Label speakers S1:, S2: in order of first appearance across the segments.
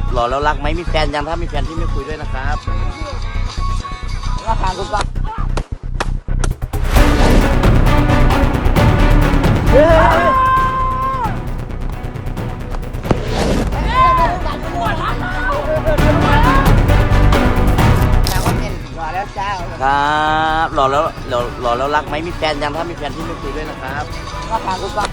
S1: หล่อแล้วรักไหมมีแฟนยังถ้ามีแฟนที่ไม่คุยด้วยนะครับราคาคุณก็ครับหล่อแล้วรักไหมมีแฟนยังถ้ามีแฟนที่ไม่คุยด้วยนะครับราคาคุณก็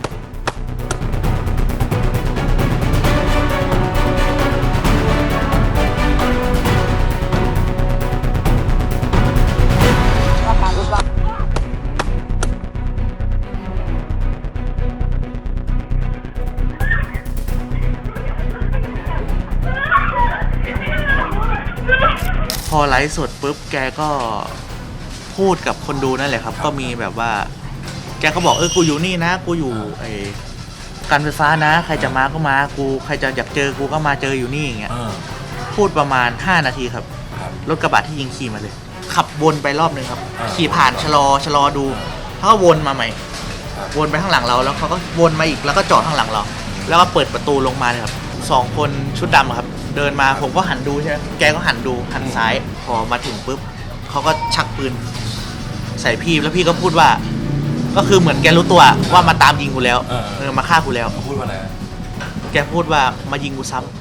S2: พอไลฟ์สดปุ๊บแกก็พูดกับคนดูนั่นแหละครับก็มีแบบว่าแกก็บอกกูอยู่นี่นะกูอยู่การไฟฟ้านะใครจะมาก็มากูใครจะอยากเจอกูก็มาเจออยู่นี่อย่างเงี้ยพูดประมาณ5 นาทีครับรถกระบะที่ยิงขี่มาเลยขับวนไปรอบนึงครับขี่ผ่านชะลอดูแล้วก็วนมาใหม่วนไปข้างหลังเราแล้วเขาก็วนมาอีกแล้วก็จอดข้างหลังเราแล้วก็เปิดประตูลงมาเลยครับ2 คนชุดดำครับเดินมาผมก็หันดูใช่ไหมแกก็หันดูหันซ้ายพอมาถึงปุ๊บเขาก็ชักปืนใส่พี่แล้วพี่ก็พูดว่าก็คือเหมือนแกรู้ตัวว่ามาตามยิงกูแล้วมาฆ่ากูแล้ว
S3: พูดว่าอะไร
S2: แกพูดว่ามายิงกูซ้ำ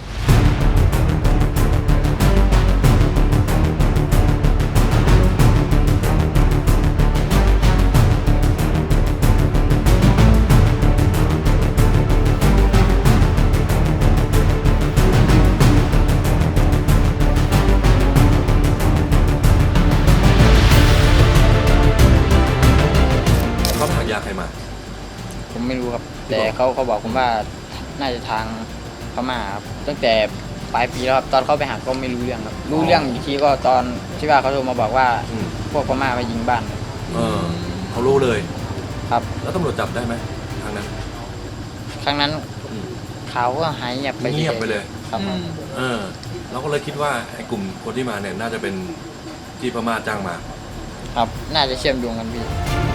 S3: เขาถังยาใครมา
S4: ผมไม่รู้ครับแต่เขาบอกผมว่าน่าจะทางพม่าครับตั้งแต่ปลายปีแล้วครับตอนเขาไปหาก็ไม่รู้เรื่องครับรู้เรื่องอีกทีก็ตอนที่ว่าเขาโทรมาบอกว่าพวกพม่ามายิงบ้าน
S3: เขารู้เลย
S4: ครับ
S3: แล้วตำรวจจับได้ไหมทางนั้น
S4: ครั้งนั้นเขาก็หายเงียบ
S3: ไปเลย
S4: ครับ
S3: เราก็เลยคิดว่าไอ้กลุ่มคนที่มาเนี่ยน่าจะเป็นที่พม่าจ้างมา
S4: ครับน่าจะเชื่อมโยงกันพี่